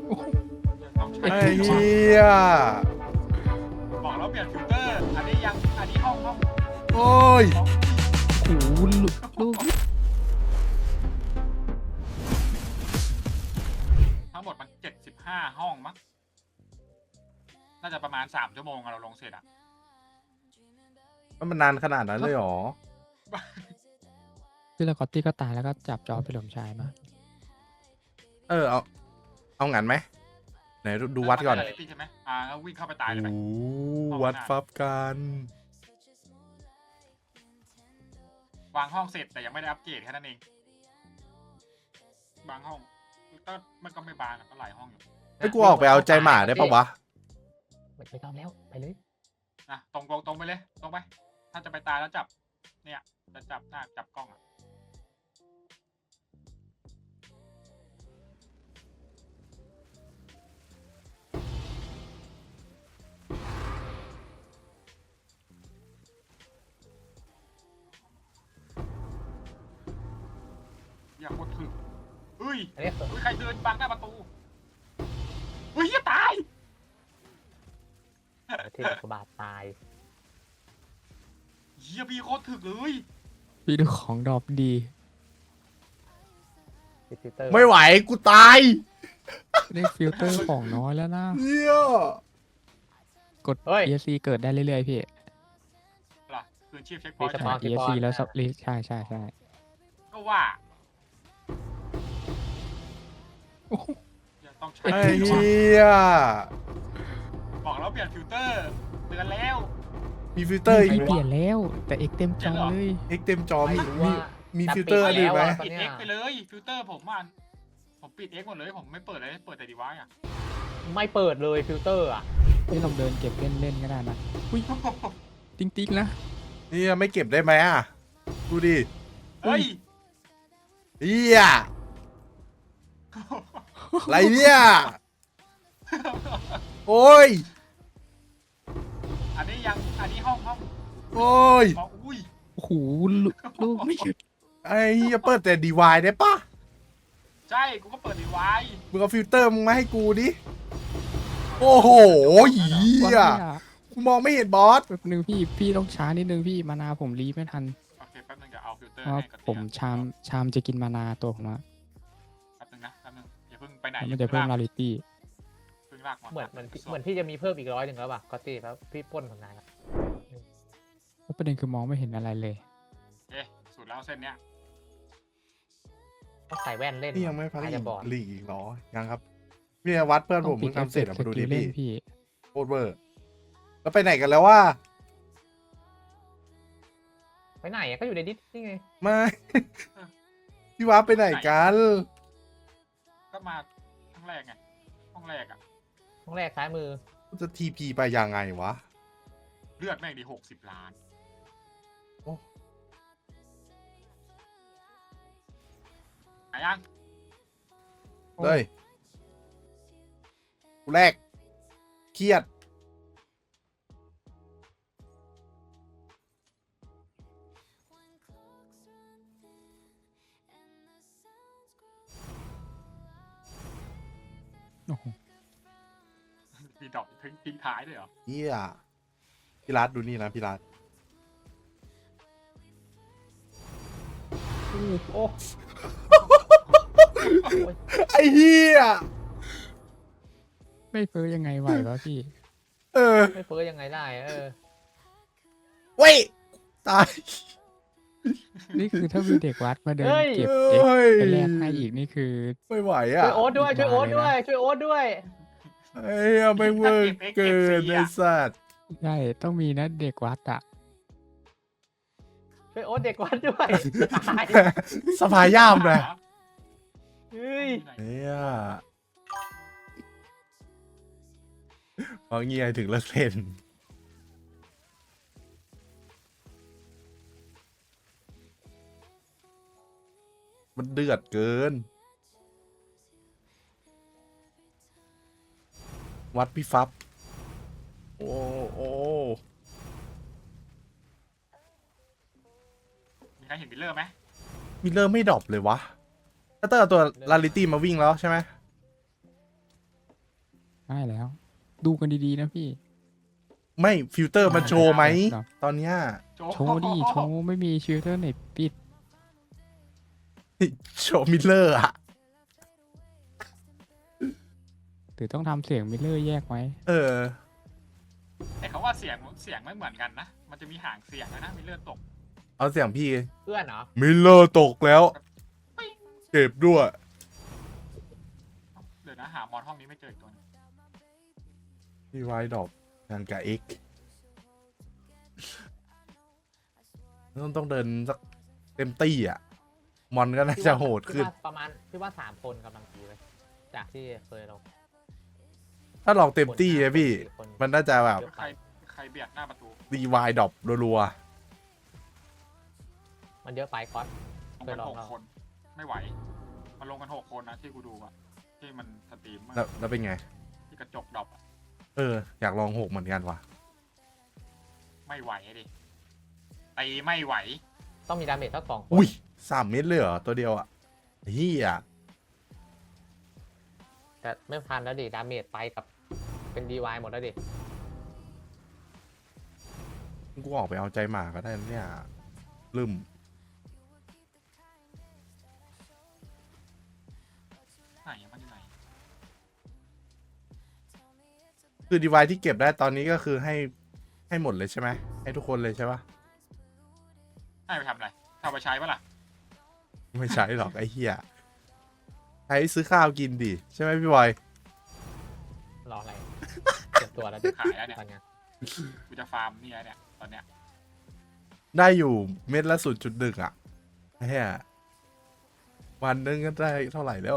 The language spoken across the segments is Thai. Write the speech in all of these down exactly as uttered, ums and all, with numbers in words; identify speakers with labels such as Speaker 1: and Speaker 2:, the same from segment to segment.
Speaker 1: ต้องใช้
Speaker 2: ไอ้เหี้ย
Speaker 1: บอกแล้วเปลี่ยนฟิลเตอร์ อันนี้ยังอันนี้ห้องห้อง
Speaker 2: โอ้ย
Speaker 1: ห้อง
Speaker 3: โอ้โหลูก
Speaker 1: ทั้งหมดมันเจ็ดสิบห้าห้องมั้งน่าจะประมาณสามชั่วโมงอะเราลงเสร็จอะ
Speaker 2: มันนานขนาดนั้นเลยเหรอ
Speaker 3: พี่แล้วก็ตี้ก็ตายแล้วก็จับจอพี่หลมชายมา
Speaker 2: เออเอาเอางั้นไหมไหนดูดูวัดก่อน
Speaker 1: เใช่ไหมอ่าแล้ววิ่งเข้าไปตายเลยไหม
Speaker 2: โอ้วัดฟับกัน
Speaker 1: วางห้องเสร็จแต่ยังไม่ได้อัปเกรดแค่นั้นเองบางห้องก็มันก็ไม่บางอะก็หลายห้องอยู่
Speaker 2: ไอ้กูออกไปเอาใจหมาได้ปะวะ
Speaker 4: ไม่ไม่ต้องแล้วไปเลย
Speaker 1: นะตรงตรงตรงไปเลยตรงไป ถ้าจะไปตายแล้วจับ เนี่ยจะจับหน้าจับกล้องอะอย่าโคตรถึกเฮ้ย
Speaker 4: อันนี้
Speaker 1: เฮ้ยใครเดินบังหน้าประตูเฮ้ยอย่าตาย
Speaker 4: เทพกบาทตาย
Speaker 1: เฮียพี่โคตรถึกเลย
Speaker 3: พี่ดูของดรอปดี
Speaker 4: ฟิลเตอร์
Speaker 2: ไม่ไหวกูตาย
Speaker 3: ได้ฟิลเตอร์ของน้อยแล้วนะ
Speaker 2: เหี้ย
Speaker 3: กด e s c เกิดได้เรื่อยๆพี่
Speaker 1: ล่ะคืนชีพเช็คพอยต์
Speaker 3: ใช่ e s c แล้วสับลีใช่ใช่ใช่
Speaker 1: ก็ว่า
Speaker 3: โอ้โห
Speaker 1: อย่าต้องใช้
Speaker 2: ไอ้เหี้ย
Speaker 1: บอกแล้วเปลี่ยนฟิลเตอร์เตือนแล้ว
Speaker 2: มีฟิลเตอร์อี
Speaker 3: พี่
Speaker 2: ก
Speaker 3: เปลี่ยนแล้ว แต่เอกเต็มจอเลย
Speaker 2: เอ็กเต็มจอมี
Speaker 4: ไม่รู้
Speaker 2: มี
Speaker 4: ว่า
Speaker 2: มี
Speaker 4: แต่
Speaker 2: ฟิลเตอร์
Speaker 4: ปิด
Speaker 2: อื่นไหม
Speaker 4: แล้วอะ
Speaker 1: ปิด X ไปเลยฟิลเตอร์ผมอ่ะผมปิด X หมดเลยผมไม่เปิดเลยเปิดแต่ดีไวซ์อ่ะ
Speaker 4: ไม่เปิดเลยฟิลเตอร์อ่ะ
Speaker 3: พี่ลองเดินเก็บเล่นๆก็ได้นะอุ้ยจริงๆนะ
Speaker 2: นี่ไม่เก็บได้ไหมอ่ะ ดูดิ
Speaker 1: เฮ้ย
Speaker 2: เหี้ยอะไรเนี่ยโอ้ย
Speaker 1: อันนี้ยังอันนี้ห้องห้อง
Speaker 2: โอ้ย
Speaker 1: บอกอุ้ย
Speaker 3: โอ้โหลูกลูกไม่หยุด
Speaker 2: ไอ้เหี้ยเปิดแต่ดีวายได้ปะ
Speaker 1: ใช่กูก็เปิดดีไวซ์
Speaker 2: มึงเอาฟิลเตอร์มึงมาให้กูดิ โอ้โหเหี้ย
Speaker 3: ว่าไม่อะ
Speaker 2: กูมองไม่เห็นบอส
Speaker 3: แป๊บนึงพี่พี่ต้องช้านิดนึงพี่มานาผมรีไม่ทัน
Speaker 1: โอเคแป๊บนึงเดี๋ยวเอาฟิลเตอร์
Speaker 3: เพราะ
Speaker 1: ให้กับ
Speaker 3: ผมชามชามจะกินมานาตัวผมอะ
Speaker 1: แป๊บนึงนะแป๊บนึงอย่าเพิ่งไปไหน
Speaker 3: มันจะเพิ่มลาลิตี้
Speaker 1: เพิ่งลากมา
Speaker 4: เหมือนเหมือนเหมือนพี่จะมีเพิ่มอีกร้อยหนึ่งแล้วป่ะก็ตีแล้วพี่ปล้นของนายแล้ว
Speaker 3: แล้วประเด็นคือมองไม่เห็นอะไรเลย
Speaker 1: โอเคสุดแล้วเส้นเนี้ย
Speaker 4: ต้องใส่แว่นเล่น
Speaker 2: นี่ยังไม่พัก
Speaker 4: อาจ
Speaker 2: อี
Speaker 4: จะ
Speaker 2: ก
Speaker 4: บอด
Speaker 2: ลีกอีกเหรอ ยังครับพี่วัดเพื่อนผมมึงทำเสร็จอะมาดูดิ
Speaker 3: เล่
Speaker 2: พี่
Speaker 3: นพี่
Speaker 2: โคตรเวอร์ แล้วไปไหนกันแล้วว่า
Speaker 4: ไปไหนอะก็อยู่ในดิสนี่ไง
Speaker 2: ไม่ พี่วัดไปไหนกัน
Speaker 1: ก็มาห้องแรกไงห้องแรกอะ
Speaker 4: ห้องแรกซ้ายมือ
Speaker 2: จะทีพีไปยังไงวะ
Speaker 1: เลือดแม่งดีหกสิบล้าน
Speaker 2: โอ้
Speaker 1: ไหนยัง
Speaker 2: เลยกูแรก เครียด
Speaker 3: โอ้โห
Speaker 1: มีดอกทิ้งทิ้งท้ายด้วยเหรอ
Speaker 2: เฮียพี่รัฐดูนี่นะพี่รัฐ
Speaker 4: โอ้
Speaker 2: ไอ้เฮีย
Speaker 3: ไม่เฟ้อยังไงไหววะพี่
Speaker 2: เออ
Speaker 4: ไม่เฟ้อยังไงได้เออ
Speaker 2: เว้ย ตาย
Speaker 3: นี่คือถ้ามีเด็กวัดมาเดิน
Speaker 4: เฮ้ย
Speaker 3: เก็บ
Speaker 2: เอ้
Speaker 3: เอ็ก
Speaker 2: ย
Speaker 3: ไปแลกให้อีกนี่คือ
Speaker 2: ไม่ไหว
Speaker 4: ช่
Speaker 2: อ่ะ
Speaker 4: วยโอ๊ตด้วยช่วยโอ๊ตด้วยช่วยโอ๊ตด้วย
Speaker 2: ไอ้เหี้ยไม่เวอร์เกินไอ้สัตว์
Speaker 3: ใช่ต้องมีนะเด็กวัดอะ
Speaker 4: ช่วยโอ๊ตเด็กวัดด้วยตาย
Speaker 2: สภายย่ามเลย
Speaker 4: เฮ้ย
Speaker 2: เฮียพอเงียถึงเลิกเล่นมันเดือดเกิน วัดพี่ฟับ โอ้โอ้
Speaker 1: มีใครเห็นมิลเลอร์ไหม
Speaker 2: มิลเลอร์ไม่ดรอปเลยวะถ้าเตอร์เอาตัวลาลิตี้มาวิ่งแล้วใช่ไหม
Speaker 3: ได้แล้ว ดูกันดีๆนะพี่
Speaker 2: ไม่ฟิลเตอร์มันโชว์ไหม
Speaker 3: ครับ
Speaker 2: ตอนเนี้ย
Speaker 1: โจ
Speaker 3: โชว์ดิโชว์ไม่มีชิลเตอร์ไหนปิด
Speaker 2: โชว์มิลเลอร์อะ
Speaker 3: หรือต้องทำเสียงมิลเลอร์แยกไว้
Speaker 2: เออ
Speaker 1: ไอ้คำว่าเสียงเสียงไม่เหมือนกันนะ มันจะมีห่างเสียงนะมีเลือดตก
Speaker 2: เอาเสียงพี่
Speaker 4: เพื่อนเหรอ
Speaker 2: มิลเลอร์ตกแล้ว เก็บด้วย
Speaker 1: เดี๋ยวนะหามอนห้องนี้ไม่เจออีกตัวนึง
Speaker 2: พี่ไวดอกงานกับเอ็กต้องต้องเดินสักเต็มตี้อ่ะ มอนก็น่าจะโหดขึ้น
Speaker 4: พี่ว่าประมาณพี่ว่าสามคนกำลังดีเลยจากที่เคยเรา
Speaker 2: ถ้าลองเต็มตี้นะพี่
Speaker 4: คน
Speaker 2: มันน่าจะแบบ
Speaker 1: ใครใครเบียดหน้าประตู
Speaker 2: รีไวดอกรัว
Speaker 4: มันเยอะไปก๊อต
Speaker 1: ลงกัน
Speaker 4: เคยลอง
Speaker 1: หก
Speaker 4: แล้ว
Speaker 1: คน ไม่ไหวมันลงกันหกคนนะที่กูดูอะที่มันสตรีม
Speaker 2: ๆแล้วแล้วเป็นไง
Speaker 1: ที่กระจกดรอปอะ
Speaker 2: เออ อยากลองหกเหมือนกันว่ะ
Speaker 1: ไม่ไหวดิตีไม่ไหว
Speaker 4: ต้องมีดาเมจสักสองคน
Speaker 2: อุ้ยสามเม็ดเลยเหรอ ตัวเดียวอ่ะเฮีย
Speaker 4: แต่ไม่ทันแล้วดิดาเมจไปกับเป็นดีวายหมดแล้วดิ
Speaker 2: กูออกไปเอาใจหมาก็ได้นะเนี่ยลืม
Speaker 1: ไหนมันอยู่ไหน
Speaker 2: คือดีไวที่เก็บได้ตอนนี้ก็คือให้ให้หมดเลยใช่ไหมให้ทุกคนเลยใช่ปะ
Speaker 1: ให้ไปทำอะไรถ้าไปใช้ปะล่ะ
Speaker 2: ไม่ใช่หรอกไอ้เหี้ยใช้ซื้อข้าวกินดิใช่ไหมพี่บอย
Speaker 4: รออะไร เก็บตัวแล้วดิ
Speaker 1: ขายแล้วเนี่ย
Speaker 4: ตอนเนี้ย
Speaker 1: กูจะฟาร์มเนี่ยเนี่ยตอนเนี้ย
Speaker 2: ได้อยู่เม็ดละศูนย์จุดหนึ่งอ่ะไอ้เหี้ยวันนึงก็ได้เท่าไหร่แล้ว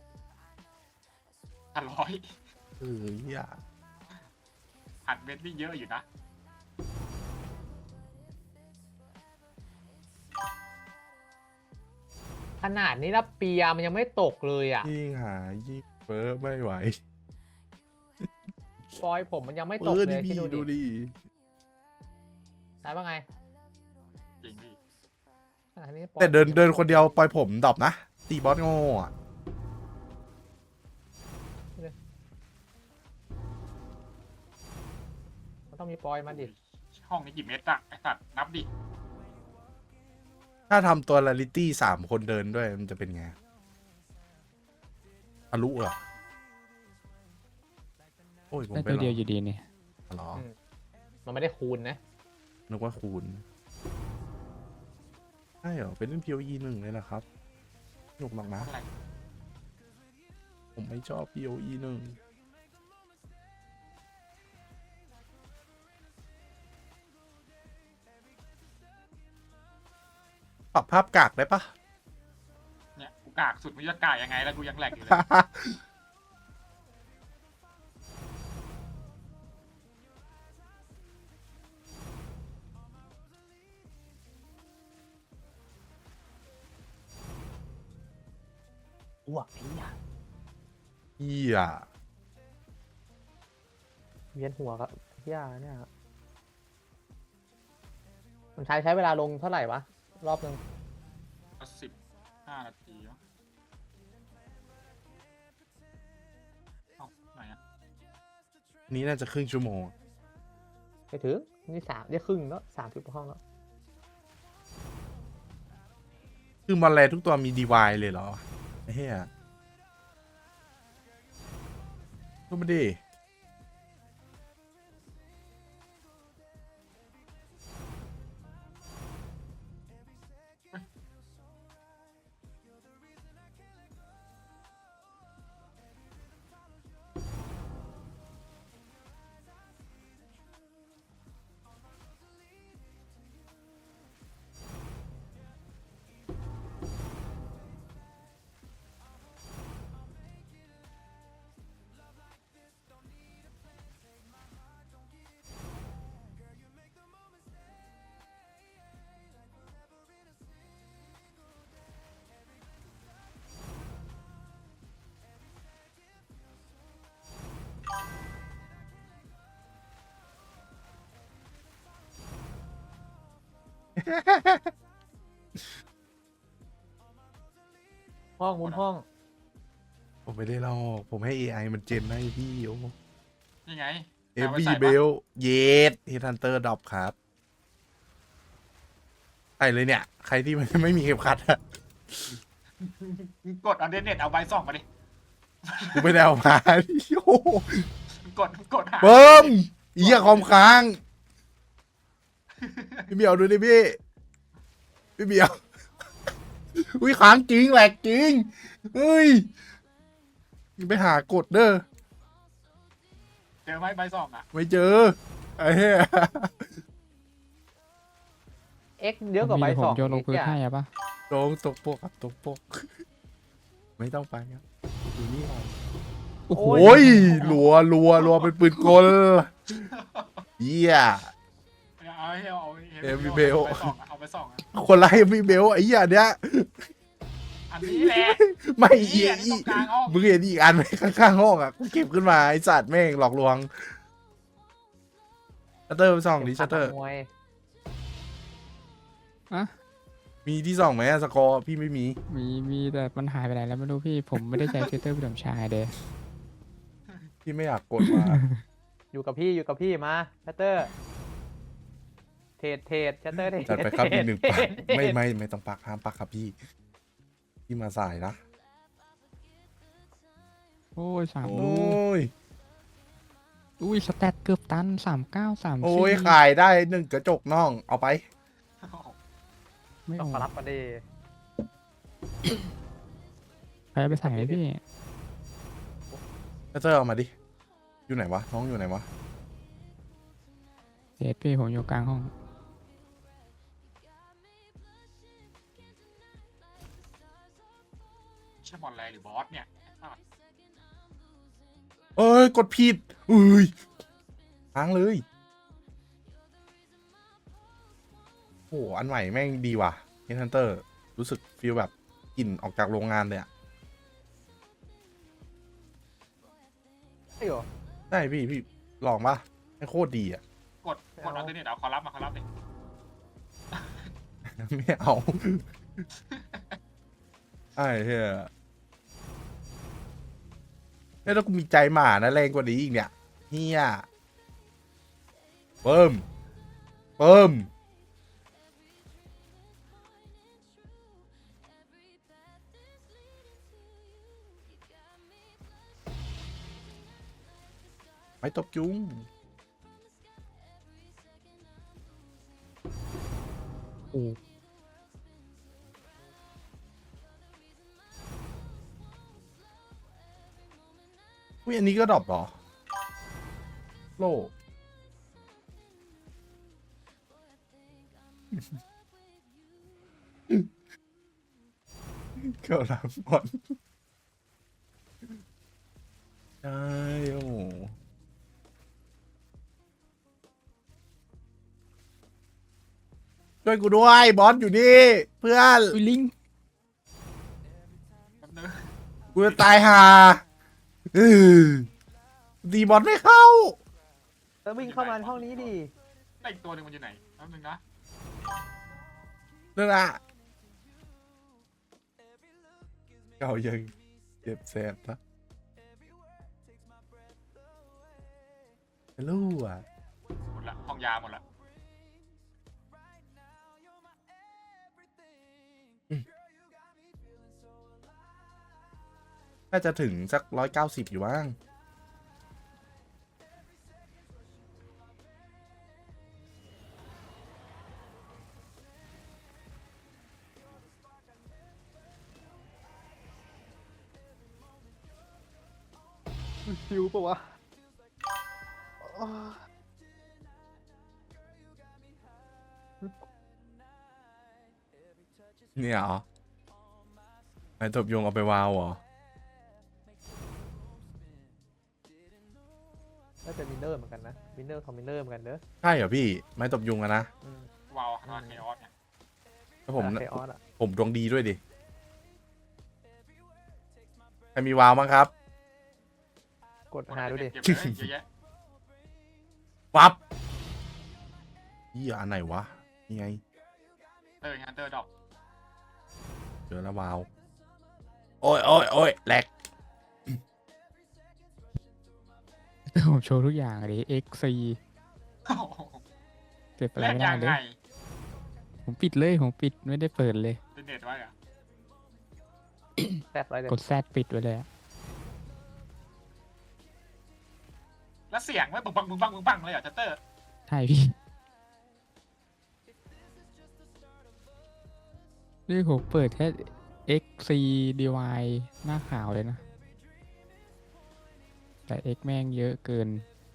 Speaker 1: พันร้อย
Speaker 2: เออเหี้ย
Speaker 1: หันเม็ดนี่เยอะอยู่นะ
Speaker 4: ขนาดนี้แล้วเปียมันยังไม่ตกเลยอ่ะ
Speaker 2: ยิ่งหายิ่งเฟ้อไม่ไหว
Speaker 4: ฟอยผมมันยังไม่
Speaker 2: เอ
Speaker 4: ตก
Speaker 2: อ
Speaker 4: เล
Speaker 2: ดิ
Speaker 4: ย
Speaker 2: พี่
Speaker 4: ที่ดู
Speaker 2: ดู
Speaker 4: ดิ
Speaker 2: ดิ
Speaker 4: ได้ป่ะไง
Speaker 1: จริงพี่
Speaker 4: ขนาดนี้ฟอย
Speaker 2: แต่เดินเดินคนเดียวปล่อยผมดรอปนะตีบอสโง่อะ
Speaker 4: มันต้องมีปอยมาดิ
Speaker 1: ห้องนี้กี่เม็ดอะไอสัตว์นับดิ
Speaker 2: ถ้าทำตัวลาลิตี้สามคนเดินด้วยมันจะเป็นไงทะลุเหรอโอ้ยผม
Speaker 3: ได้
Speaker 2: ไป
Speaker 3: ตัว
Speaker 2: หร
Speaker 3: เดียว
Speaker 2: อ
Speaker 3: อยู่ดีเนี่ย
Speaker 2: หรอ
Speaker 4: มันไม่ได้คูณนะ
Speaker 2: นึกว่าคูณใช่เหรอเป็นเล่น พี โอ อี หนึ่งเลยนะครับสนุกมากนะ
Speaker 1: อะไร
Speaker 2: ผมไม่ชอบ พี โอ อี หนึ่งปรับภาพกากได้ปะ
Speaker 1: เนี่ยกูกากสุดมึงจะกากยังไงแล้วกูยังแหลกอยู่เลย
Speaker 4: อ้วกไอ้เหี้ย
Speaker 2: เฮีย
Speaker 4: เวียนหัวกับเหี้ยเนี่ยมันใช้ใช้เวลาลงเท่าไหร่วะ รอบนึง
Speaker 1: สิบห้านาทีวะเอ้าไหนอะ
Speaker 2: นี้น่าจะครึ่งชั่วโมง
Speaker 4: ไปถึงนี่สามได้ครึ่งแล้วสามสิบห้องแล้ว
Speaker 2: คือมอนแลทุกตัวมีดีวายเลยเหรอไอ้เหี้ยก็ไม่ดี
Speaker 4: ห้องมุมห้อง
Speaker 2: ผมไม่ได้ลอกผมให้ เอ ไอ มันเจนให้พี่โอ้
Speaker 1: นี่ไง
Speaker 2: เอ
Speaker 1: เอาไว้
Speaker 2: บี
Speaker 1: ใส่
Speaker 2: เบ
Speaker 1: ปะ
Speaker 2: ลเยสเฮทันเตอร์ดอปครับใส่เลยเนี่ย ใครที่ไม่ไม่มีเข็มขัดอะ
Speaker 1: กดอันเดอร์เน็ตเอาใบส่องมาดิ
Speaker 2: กูไม่ได้เอามาโอ้โห
Speaker 1: กดกดหา
Speaker 2: เบิ้มเหี้ยคอมค้าง พี่เบียวดูดิพี่ พี่เบียว อุ้ยค้างจริงแหลกจริงเฮ้ยไปหากดเด้อ
Speaker 1: เจอไหมใบส่องอ่ะ
Speaker 2: ไม่เจอไอ้เหี้ย
Speaker 4: เอ็กเยอะกว่าใบ
Speaker 3: ผ
Speaker 4: ส
Speaker 3: ม
Speaker 4: อง
Speaker 3: โยนลงพื้นให้อะปะ
Speaker 2: ตรงตกปกครับตกปก ไม่ต้องไปครับอยู่นี่ก่อน
Speaker 3: โอ้โห
Speaker 2: โอ้ยรัวรัวรัวเป็นปืนกลเยี่ย
Speaker 1: เอาให้เอา
Speaker 2: เอวีเบล
Speaker 1: ใบส่องอะเอาใบส่องอะ
Speaker 2: คนไล่พี่เบลไอ้เหี้ยเนี้ย
Speaker 1: อันนี้แหละ
Speaker 2: ไม่
Speaker 1: เหี้
Speaker 2: อี
Speaker 1: ย
Speaker 2: ก
Speaker 1: นี่ตรงกลางห้อง
Speaker 2: มึงเห็นอีกอันไหมข้างๆห้องอ่ะกูเก็บขึ้นมาไอ้สัตว์แม่งหลอกลวงชัตเตอร์ไปส่องดิชัตเตอร์
Speaker 4: มวย
Speaker 3: อะ
Speaker 2: มีที่ส่องไหมอะสกอร์พี่ไม่มี
Speaker 3: มีมีแต่มันหายไปไหนแล้วไม่รู้พี่ผมไม่ได้ใช้ฟิลเตอร์พี่สมชายเด้
Speaker 2: พี่ไม่อยากกดมา
Speaker 4: อยู่กับพี่อยู่กับพี่มาชัตเตอร์เทรดเทรดชัตเตอร์เทรด
Speaker 2: จัดไปครับอีกหนึ่งปัก
Speaker 4: เทรด
Speaker 2: ไม่ไม่ไม่ต้องปักห้ามปักครับพี่พี่มาสายนะ
Speaker 3: โอ้ยสาม
Speaker 2: โอ
Speaker 3: ลูก้
Speaker 2: ย
Speaker 3: อุ้ยสแตทเกือบตันสามเก้าสาม
Speaker 2: โอ้
Speaker 3: สี่
Speaker 2: ยขายได้หนึ่งกระจกน่องเอาไป
Speaker 3: ไม่
Speaker 4: ต้อ
Speaker 3: เอา
Speaker 4: งมารับมาดิ
Speaker 3: ใครเอาไปใส่ไหมพี่
Speaker 2: ชัตเตอร์เอามาดิอยู่ไหนวะน้องอยู่ไหนวะ
Speaker 3: เด็ดพี่ผมอยู่กลางห้อง
Speaker 1: ใช่บอลแรงหรือบอสเนี่ย
Speaker 2: เอ้ยกดผิดอุ้ยค้างเลยโอ้อันใหม่แม่งดีว่ะเฮนฮันเตอร์รู้สึกฟีลแบบกลิ่นออกจากโรงงานเลยอะ
Speaker 4: ไอ้เหรอ
Speaker 2: ใช่พี่พี่ลองปะให้โคตรดีอะ
Speaker 1: กดกดอันเดอร์เน็ตเอาขอรับมาขอรับดิ
Speaker 2: ไม่เอา ไอ้เหี้ยเนี่ยถ้ากูมีใจหมานะแรงกว่านี้อีกเนี่ยเฮียเพิ่มเพิ่มไม่ตบจุ้ง
Speaker 3: โอ้
Speaker 2: อุ้ยอันนี้ก็ดรอปเหรอ โล เกี่ยวหลังบอลใช่โอ้โหช่วยกูด้วย บอสอยู่นี่ เพื่อน
Speaker 3: อุ้ยลิง
Speaker 1: แป๊บนึง
Speaker 2: กูจะตายห่าเออดีบอลไม่เข้า
Speaker 4: แล้ววิ่งเข้ามาในห้องนี้ดิ
Speaker 1: แล้วอีกตัวหนึ่งมันอยู่ไหนแป๊บนึงนะ
Speaker 2: นั่นอะเก่ายังเจ็บแสบนะไม่รู้อ่ะ
Speaker 1: หมดละห้องยาหมดละ
Speaker 2: น่าจะถึงสักร้อยเก้าสิบอยู่บ้าง
Speaker 4: คิวปะวะ
Speaker 2: เนี่ยเหรอไอ้ตบยงเอาไปวาวเหรอ
Speaker 4: น่าจะมินเนอร์เหมือนกันนะมินเนอร์คอมมินเนอร์เหมือนกันเด้อ
Speaker 2: ใช่เหรอพี่ ไม้ตบยุงอะนะ
Speaker 4: อืม
Speaker 1: วาวคาร์เคออสเนี่ย
Speaker 2: แล้วผม
Speaker 4: ไคออสอะ
Speaker 2: ผมดวงดีด้วยดิ ใครมีวาวมั้งครับ
Speaker 4: กดหาดูดิ
Speaker 1: เก็บเลยเยอะแยะ
Speaker 2: ปั๊บยี่อันไหนวะ นี่ไง
Speaker 1: เตอร์ฮันเตอร์ดอก
Speaker 2: เจอแล้ววาว โอ้ยโอ้ยโอ้ยแหลก
Speaker 3: ผมโชว์ทุกอย่างเลย X C
Speaker 1: โอ้โห
Speaker 3: เก็บอะไร
Speaker 1: แลก
Speaker 3: ไม่
Speaker 1: ยั
Speaker 3: ได้
Speaker 1: ง
Speaker 3: เล
Speaker 1: ไง
Speaker 3: ย ผมปิดเลย ผมปิดไม่ได้เปิดเลย
Speaker 1: เป็นเน็ตไว้เหรอะ
Speaker 4: แซดไว้เลย
Speaker 3: กดแซดปิดไว้เลยอะ
Speaker 1: แล้วเสียงไม่บึ้งบังบึ้งบังบึ้งบังเลยเหรอชัตเตอร์
Speaker 3: ใช่พี่ นี่ผมเปิดแค่ X C ดี วาย หน้าขาวเลยนะ แต่ X แม่งเยอะเกิน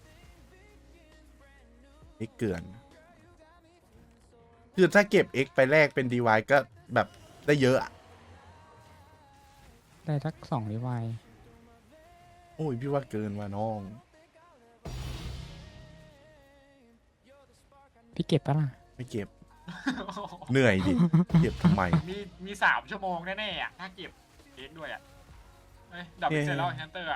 Speaker 2: X เกินคือถ้าเก็บ X ไปแลกเป็น ดี วาย ก็แบบได้เยอะอะ
Speaker 3: ได้ทักสองดีวาย
Speaker 2: โอ้ยพี่ว่าเกินว่ะน้อง
Speaker 3: พี่เก็บปะล่ะ
Speaker 2: ไม่เก็บ เหนื่อยดิ เก็บทำไม
Speaker 1: มีมีสามชั่วโมงแน่ๆอะถ้าเก็บเอ็กด้วยอะเฮ้ยดับเป็นเสร็จแล้วชัตเตอร์อะ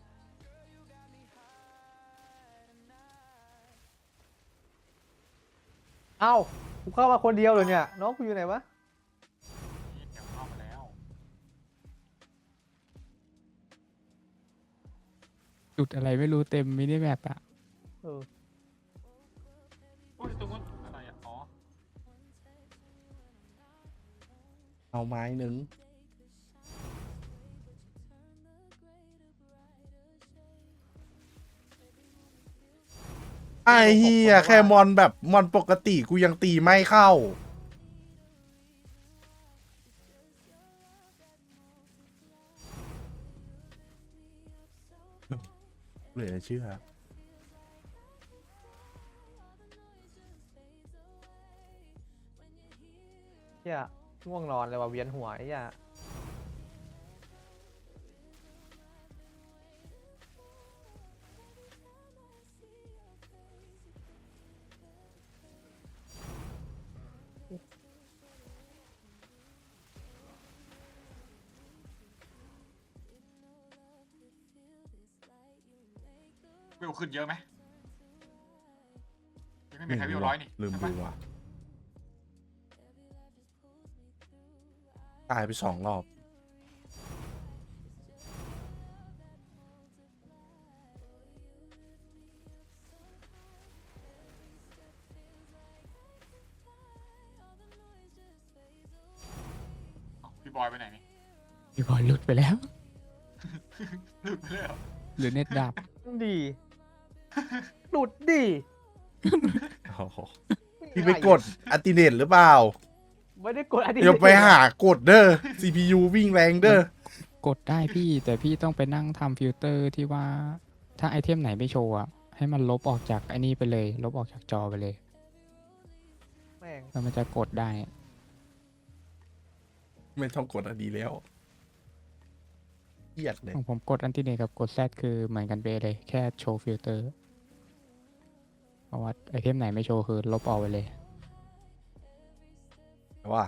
Speaker 4: เอ้ากูเข้ามาคนเดียวเลยเนี่ยน้องกูอยู่ไหนวะ
Speaker 1: นี่เดี๋ยวเข้ามาแล้ว
Speaker 3: จุดอะไรไม่รู้เต็มมินิแมปอะ
Speaker 4: เออ
Speaker 1: อุ้ยตรงนู้นอะไรอะอ๋อ
Speaker 2: เอาไม้หนึ่งไอ้เฮียแค่มอนแบบมอนปกติกูยังตีไม่เข้าเหลือเชื่อ
Speaker 4: เหี้ยง่วงนอนเลยว่ะเวียนหัวไอ้เหี้ย
Speaker 1: วิวขึ้นเยอะไหมยังไม่มีใครวิวร้อยนี่
Speaker 2: ลืม
Speaker 1: ใช่ปะ
Speaker 2: ดูว่ะตายไปสองรอบ
Speaker 1: เอ้าพี่บอยไปไหนนี่
Speaker 3: พี่บอลหลุดไปแล้ว
Speaker 1: หลุดไปเลยเหรอ
Speaker 3: หรือเน็ตดับ
Speaker 4: ดีหลุดดิ
Speaker 2: โอ้โหพี่ไปกดอัลติเนตหรือเปล่า
Speaker 4: ไม่ได้กดอันนี้
Speaker 2: เดี๋ยวไปหากดเด้อ ซี พี ยู วิ่งแรงเด้อ
Speaker 3: กดได้พี่ แต่พี่ต้องไปนั่งทำฟิลเตอร์ที่ว่า ถ้าไอเทมไหนไม่โชว์อะให้มันลบออกจากไอ้นี่ไปเลย ลบออกจากจอไปเลย
Speaker 4: แม่ง
Speaker 3: แล้วมันจะกดได้
Speaker 2: ไม่ต้องกดอันดีแล้วเครียดเลย
Speaker 3: ของผมกดอันติเนตกับกดแซดคือเหมือนกันเป๊ะเลย แค่โชว์ฟิลเตอร์ เพราะว่าไอเทมไหนไม่โชว์คือลบออกไปเลย
Speaker 2: แต่ว่า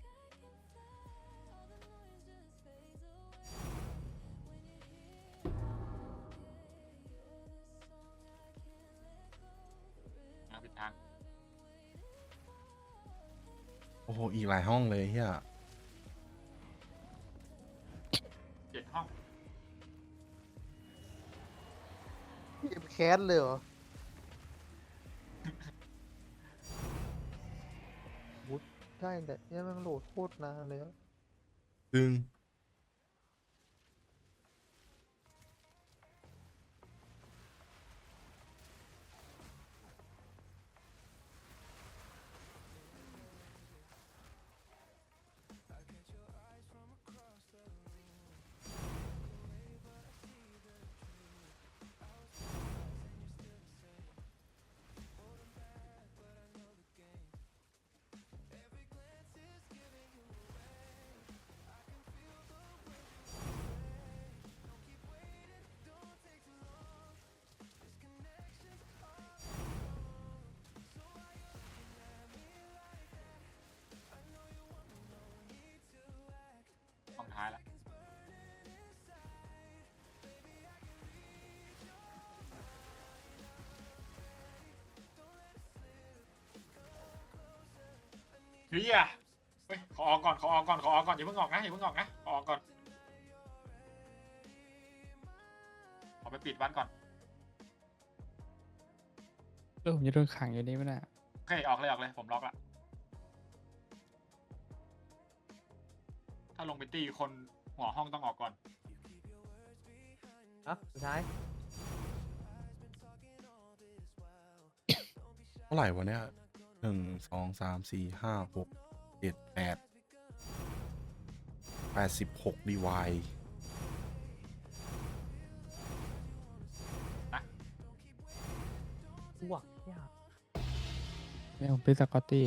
Speaker 1: เอาผิดทาง
Speaker 2: โอ้โห อีกหลายห้องเลยเฮีย
Speaker 1: เจ็ดห้อง
Speaker 4: เกมแคสเลยเหรอวุฒใช่แต่เนี่ยมันโหลดโคตรนานเลยอะ
Speaker 2: ดึง
Speaker 1: ห้องท้ายแล้วเฮียเฮ้ยขอออกก่อนขอออกก่อนขอออกก่อนอย่าเพิ่งออกนะอย่าเพิ่งออกนะขอออกก่อนขอไปปิดวันก่อน
Speaker 3: แล้วผมจะโดนขังอยู่นี่มั้ยน่ะ
Speaker 1: โอเคออกเลยออกเลยผมล็อกละถ้าลงไปตีคนหัวห้องต้องออกก่อน
Speaker 4: เอ้าสุดท้าย
Speaker 2: เท่าไหร่วะเนี่ยหนึ่งสองสามสี่ห้าหกเจ็ดแปดแปดสิบหกดีวาย
Speaker 4: อ้วกยาก
Speaker 3: ไม่ผมเป็นสกอตตี้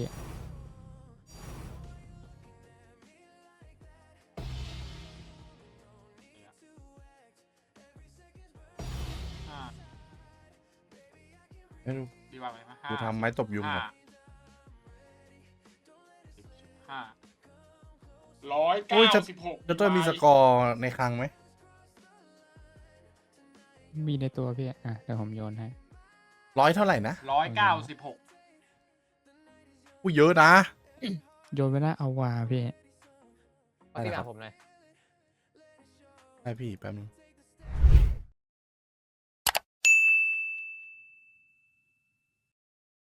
Speaker 1: ห้า
Speaker 2: ไม่รู้
Speaker 1: ดีว่าไหมห้า
Speaker 2: กูทำไม้ตบยุง
Speaker 1: ห้า
Speaker 2: ก่อน
Speaker 1: สิบสิบห้าร้อย
Speaker 2: โอ้
Speaker 1: เก้าย
Speaker 2: จะ
Speaker 1: สิบหก
Speaker 2: จะเตอร์มีสกอร์ในคลังไหม
Speaker 3: มีในตัวพี่อ่ะเดี๋ยวผมโยนให้
Speaker 2: ร้อยเท่าไหร่นะ
Speaker 1: ร้อยเก้าสิบหก
Speaker 2: อู้เยอะนะ
Speaker 3: โยนไปหน้าเอาวาพี่
Speaker 4: เอาที่หลังผมหน่อย
Speaker 2: ได้พี่แป๊บนึง